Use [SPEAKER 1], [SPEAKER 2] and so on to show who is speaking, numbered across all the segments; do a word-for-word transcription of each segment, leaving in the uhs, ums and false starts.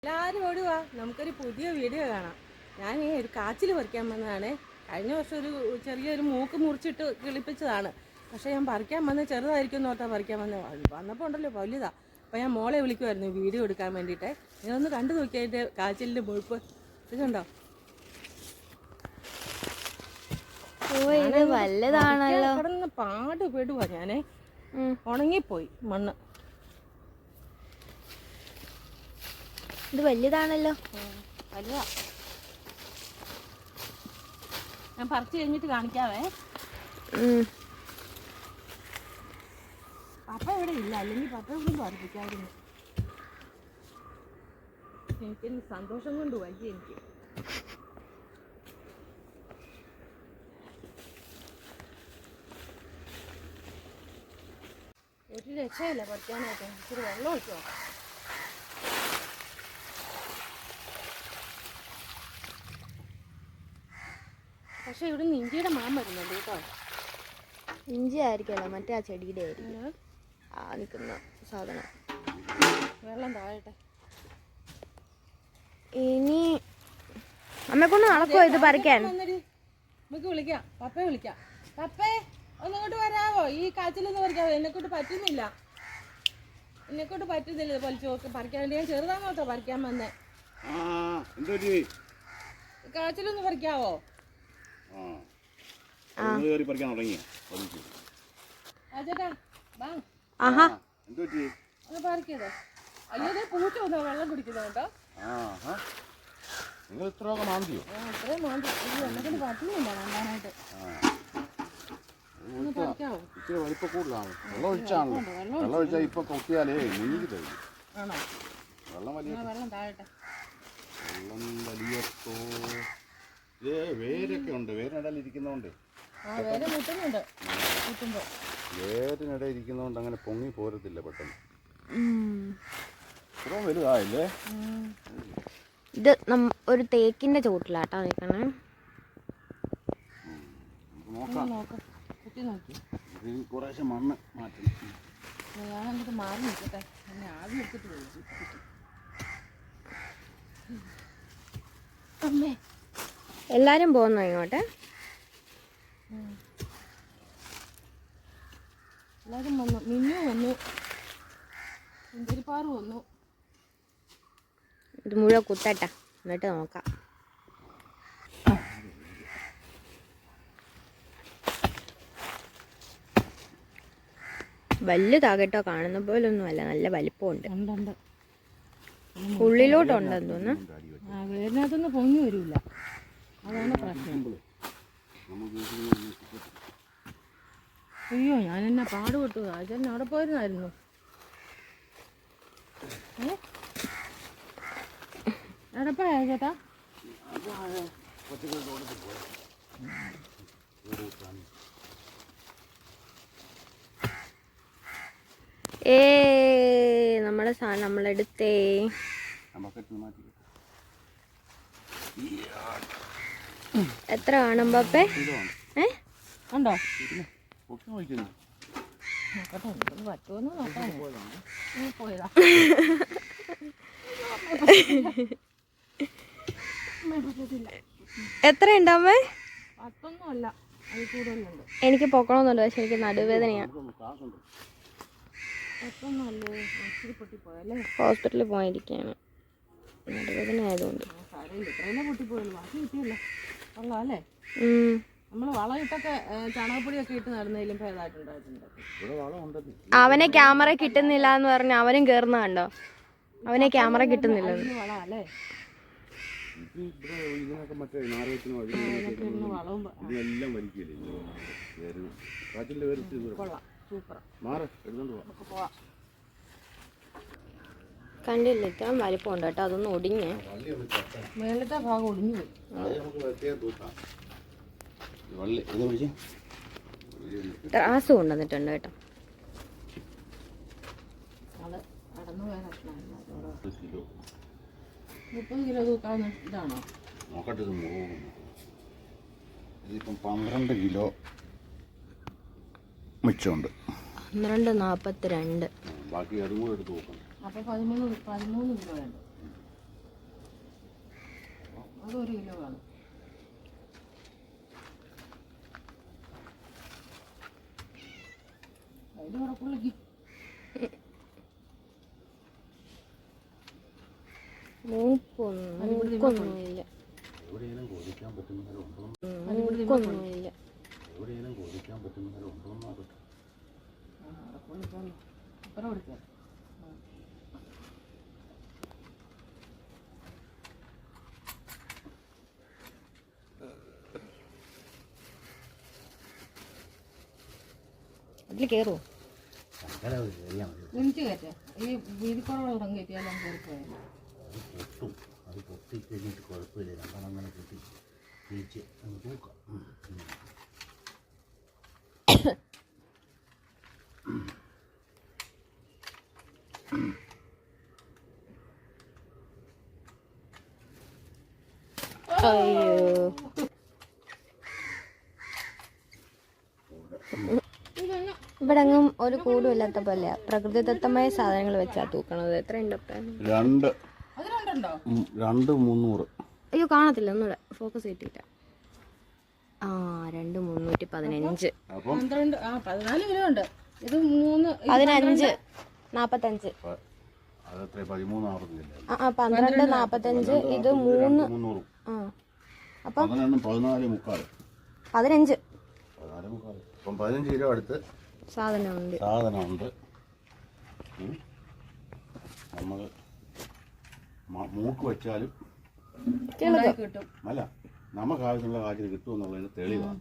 [SPEAKER 1] എല്ലാവരും ഓടുവാ, നമുക്കൊരു പുതിയ വീഡിയോ കാണാം. ഞാൻ ഈ ഒരു കാച്ചിൽ പറിക്കാൻ വന്നതാണ്. കഴിഞ്ഞ വർഷം ഒരു ചെറിയൊരു മൂക്ക് മുറിച്ചിട്ട് കിളിപ്പിച്ചതാണ്. പക്ഷേ ഞാൻ പറിക്കാൻ വന്നത് ചെറുതായിരിക്കും എന്ന് ഓർത്താ പറിക്കാൻ വന്നത്. വന്നപ്പോൾ ഉണ്ടല്ലോ വലുതാ. അപ്പോൾ ഞാൻ മോളെ വിളിക്കുമായിരുന്നു വീഡിയോ എടുക്കാൻ വേണ്ടിയിട്ട്. ഞാനൊന്ന് കണ്ടു നോക്കിയാൽ അതിൻ്റെ കാച്ചിലിൻ്റെ മുഴുപ്പ് ഇതുണ്ടോ? കിടന്ന് പാട് പെടുവാ. ഞാനേ ഉണങ്ങിപ്പോയി മണ്ണ്.
[SPEAKER 2] ഇത് വലുതാണല്ലോ.
[SPEAKER 1] വലുതാ. ഞാൻ പറിച്ചു കഴിഞ്ഞിട്ട് കാണിക്കാവേ. പപ്പ ഇവിടെ ഇല്ല, അല്ലെങ്കിൽ പപ്പ ഇവിടെ പറിപ്പിക്കായിരുന്നു. എനിക്ക് സന്തോഷം കൊണ്ട് വയ്യ. എനിക്ക് ഒരു രക്ഷയില്ല പറിക്കാനായിട്ട്. ഇച്ചിരി വെള്ളം ഒഴിച്ചോ. പക്ഷെ ഇവിടെ നിന്ന് ഇഞ്ചിയുടെ മാൻ വരുന്നുണ്ട് കേട്ടോ.
[SPEAKER 2] ഇഞ്ചി ആയിരിക്കല്ലോ, മറ്റേ ആ ചെടിയുടെ ആയിരിക്കും ആ നിൽക്കുന്ന സാധനം.
[SPEAKER 1] വെള്ളം താഴട്ടെ.
[SPEAKER 2] ഇനി അമ്മ കൊണ്ട് നടക്കുമോ ഇത് പറിക്കാൻ?
[SPEAKER 1] നമുക്ക് വിളിക്കാം, പപ്പയെ വിളിക്കാം. പപ്പേ ഒന്നിങ്ങോട്ട് വരാവോ? ഈ കാച്ചിലൊന്ന് പറിക്കാവോ? എന്നെക്കൊണ്ട് പറ്റുന്നില്ല, എന്നെക്കൊണ്ട് പറ്റുന്നില്ല പൊലിച്ച് പറിക്കാൻ വേണ്ടി. ഞാൻ ചെറുതാണോട്ടോ പറിക്കാൻ വന്നേ. കാച്ചിലൊന്ന് പറിക്കാവോ? പറിക്കതോ? അയ്യോ പൂച്ച വന്നോ വെള്ളം കുടിക്കുന്നോ കേട്ടോ. ഇത്രയും മാന്തി എന്നെക്കൊണ്ട് പറ്റുന്നില്ല നന്നായിട്ട്.
[SPEAKER 3] ഇച്ചിരി വലിപ്പം കൂടുതലാണ്. വെള്ളം ഒഴിച്ചാണല്ലോ. വെള്ളം ഒഴിച്ചാൽ ഇപ്പൊ കൊത്തിയാലേ നീങ്ങി തരും.
[SPEAKER 1] ആണോ?
[SPEAKER 3] വെള്ളം വലിയ
[SPEAKER 1] വെള്ളം താഴട്ടെ.
[SPEAKER 3] വെള്ളം വലിയപ്പോ ഏ വേരൊക്കെ ഉണ്ട്. വേരിനിടയിൽ ഇരിക്കുന്നോണ്ട് വേരിനിടയിൽ ഇരിക്കുന്നോണ്ട് അങ്ങനെ പൊങ്ങി പോരത്തില്ല പെട്ടെന്ന്. ഇത്രയും വലുതായില്ലേ?
[SPEAKER 2] ഇത് ഒരു തേക്കിന്റെ ചോട്ടിലാട്ടോ നിൽക്കണേ.
[SPEAKER 3] കുറേശ്ശെ മണ്ണ് മാറ്റണം.
[SPEAKER 1] ഞാനങ്ങോട്ട് മാറി നിൽക്കട്ടെ. എന്നെ ആദ്യം എടുത്തിട്ട് പോയി. അമ്മേ
[SPEAKER 2] എല്ലാരും പോകുന്നോ ഇങ്ങോട്ട്?
[SPEAKER 1] എല്ലാരും വന്നു. മിന്നു വന്നു, സുന്ദരിപ്പാറ് വന്നു.
[SPEAKER 2] ഇത് മുഴുവൻ കുത്തട്ട, എന്നിട്ട് നോക്കാം. വലുതാകട്ടോ, കാണുന്ന പോലെ ഒന്നും അല്ല, നല്ല വലിപ്പമുണ്ട്. ഉള്ളിലോട്ടുണ്ടെന്ന് തോന്നുന്നു.
[SPEAKER 1] വേരിനകത്തൊന്നും പൊങ്ങി വരില്ല, അതാണ് പ്രശ്നം. അയ്യോ ഞാൻ എന്നാ പാടുപെട്ടു. രാജൻ അവിടെ പോയിരുന്നായിരുന്നു. ഏ എടപ്പായ ചേട്ടാ?
[SPEAKER 2] ഏ നമ്മുടെ സാധനം നമ്മളെടുത്തേ. എത്ര കാണും പപ്പേ? ഏ
[SPEAKER 1] ഉണ്ടോ? പോയതാ.
[SPEAKER 2] എത്ര ഉണ്ടമ്മേ?
[SPEAKER 1] പത്തൊന്നും അല്ല, അത് കൂടുതലുണ്ട്.
[SPEAKER 2] എനിക്ക് പൊക്കണമെന്നുണ്ട്, പക്ഷെ എനിക്ക് നടുവേദനയാ. ഹോസ്പിറ്റലിൽ പോയിരിക്കുകയാണ്, നടുവേദന ആയതുകൊണ്ട്.
[SPEAKER 1] നമ്മള് വളം ഇട്ടൊക്കെ ചാണകപ്പൊടിയൊക്കെ ഇട്ട് നടന്നതിലും ഭേദമായിട്ടുണ്ടായിട്ടുണ്ട്.
[SPEAKER 2] അവനെ ക്യാമറ കിട്ടുന്നില്ല എന്ന് പറഞ്ഞ് അവനും കേറുന്ന കണ്ടോ? അവനെ ക്യാമറ കിട്ടുന്നില്ല.
[SPEAKER 1] വളമല്ലേ
[SPEAKER 2] കണ്ടില്ല, ഇത്രയും വലിപ്പമുണ്ട് കേട്ടോ. അതൊന്നും ഒടിഞ്ഞ്
[SPEAKER 1] മേളത്തെ ഭാഗം ഒടിഞ്ഞു പോയി.
[SPEAKER 2] ത്രാസ് കൊണ്ടുവന്നിട്ടുണ്ട് കേട്ടോ.
[SPEAKER 1] മുപ്പത് കിലോ തൂക്കാവുന്ന ഇതാണോ?
[SPEAKER 3] നോക്കട്ടെ. ഇത് ഇതിപ്പം പന്ത്രണ്ട് കിലോ മിച്ചമുണ്ട്.
[SPEAKER 2] പന്ത്രണ്ട് നാൽപ്പത്തി രണ്ട്.
[SPEAKER 3] ബാക്കി അതും കൂടെ എടുത്ത് നോക്കണം.
[SPEAKER 1] അപ്പോൾ പതിമൂന്ന് പതിമൂന്ന് കിലോ വേണ്ട. അത് ഒരു കിലോ കാണും. അതിൻ്റെ കൂടെ പുള്ളിക്ക്
[SPEAKER 2] മൂക്കൊന്നുമില്ല
[SPEAKER 3] എവിടെയെങ്കിലും കോപിക്കാൻ പറ്റുന്നവരുണ്ടോ
[SPEAKER 2] മൂക്കൊന്നുമില്ല
[SPEAKER 3] എവിടെയെങ്കിലും കോപിക്കാൻ പറ്റുന്നവരുണ്ടോ എന്നാകട്ടെ.
[SPEAKER 1] അപ്പുറം കൊടുക്കാം.
[SPEAKER 2] അതിൽ കയറുമോ?
[SPEAKER 1] എനിക്ക് കയറ്റാം. ഈ വീതിക്കുറവുള്ള കയറ്റിയാലും കയറിപ്പോയാലും
[SPEAKER 3] അത് പൊട്ടും. അത് പൊട്ടി കഴിഞ്ഞിട്ട് കുഴപ്പമില്ല. രണ്ടെണ്ണം അങ്ങനെ പൊട്ടി തിരിച്ച് അങ്ങ് തൂക്കാം.
[SPEAKER 2] അയ്യോ ഇവിടെ അങ്ങും ഒരു കൂടും ഇല്ലാത്ത പോലെ പ്രകൃതിദത്തമായ സാധനങ്ങൾ വെച്ചാ തൂക്കണത്. എത്രയുണ്ട്?
[SPEAKER 3] രണ്ട്
[SPEAKER 1] അത് രണ്ടുണ്ടോ?
[SPEAKER 3] ഉം, രണ്ട് മുന്നൂറ്.
[SPEAKER 2] അയ്യോ കാണത്തില്ല, ഒന്നുകൂടെ ഫോക്കസ് കിട്ടിയില്ല. ആ രണ്ട് മുന്നൂറ്റി പതിനഞ്ച്
[SPEAKER 3] അപ്പം
[SPEAKER 1] പന്ത്രണ്ട് ആ പതിനാല് കിലോ ഉണ്ട്. ഇത് മൂന്ന്
[SPEAKER 2] പതിനഞ്ച് നാപ്പത്തഞ്ച്
[SPEAKER 3] അതെത്ര പതിമൂന്നാറുന്നില്ല.
[SPEAKER 2] ആ ആ പന്ത്രണ്ട് നാപ്പത്തഞ്ച് ഇത് മൂന്ന്
[SPEAKER 3] മുന്നൂറ്.
[SPEAKER 2] ആ അപ്പം
[SPEAKER 3] പതിനെണ്ണം പതിനാല് മുക്കാൽ
[SPEAKER 2] പതിനഞ്ച്
[SPEAKER 3] പതിനാല് മുക്കാൽ ഇപ്പം പതിനഞ്ച് കിലോ അടുത്ത്
[SPEAKER 2] സാധനമുണ്ട്.
[SPEAKER 3] സാധനമുണ്ട്. നമ്മൾ മൂക്ക് വെച്ചാലും
[SPEAKER 1] കിട്ടും.
[SPEAKER 3] അല്ല നമുക്ക് ആവശ്യമുള്ള കാര്യം കിട്ടുമെന്നുള്ളതിന് തെളിവാണ്.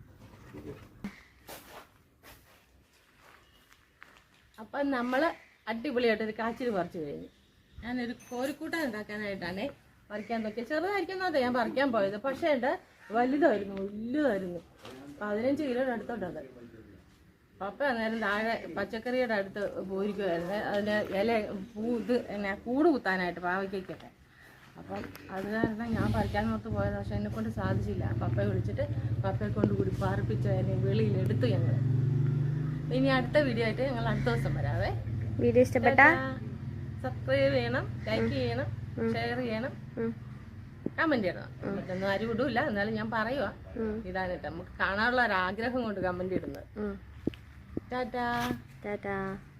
[SPEAKER 1] അപ്പം നമ്മൾ അടിപൊളിയായിട്ടൊരു കാച്ചിൽ പറിച്ചു കഴിഞ്ഞു. ഞാനൊരു കോരിക്കൂട്ടം ഉണ്ടാക്കാനായിട്ടാണ് പറിക്കാൻ നോക്കിയത്. ചെറുതായിരിക്കുന്നതെ ഞാൻ പറിക്കാൻ പോയത്. പക്ഷേ ഉണ്ട് വലുതായിരുന്നു, വലുതായിരുന്നു. പതിനഞ്ച് കിലോയുടെ അടുത്തോട്ടത്. പപ്പ അന്നേരം താഴെ പച്ചക്കറിയുടെ അടുത്ത് പോയിരിക്കുമായിരുന്നു. അതിൻ്റെ ഇല പൂ ഇത് എന്നെ കൂട് കുത്താനായിട്ട് പാവയ്ക്കൊക്കെ. അപ്പം അത് കാരണം ഞാൻ പറിക്കാൻ നോർത്ത് പോയത്. പക്ഷെ എന്നെ കൊണ്ട് സാധിച്ചില്ല. പപ്പയെ വിളിച്ചിട്ട് പപ്പയെ കൊണ്ട് കൂടി പാർപ്പിച്ച് അതിനെ വെളിയിലെടുത്തു ഞങ്ങൾ. ഇനി അടുത്ത വീഡിയോ ആയിട്ട് ഞങ്ങൾ അടുത്ത ദിവസം വരാവേ.
[SPEAKER 2] വീഡിയോ ഇഷ്ടപ്പെട്ട
[SPEAKER 1] സബ്സ്ക്രൈബ് ചെയ്യണം, ലൈക്ക് ചെയ്യണം, ഷെയർ ചെയ്യണം, കമന്റ് ചെയ്യണം. മറ്റൊന്നും ആരും ഇടൂല, എന്നാലും ഞാൻ പറയുക ഇതാണ് കേട്ടോ നമുക്ക് കാണാനുള്ള ഒരു ആഗ്രഹം കൊണ്ട് കമന്റ് ഇടുന്നത്. ടാറ്റാ
[SPEAKER 2] ടാറ്റാ.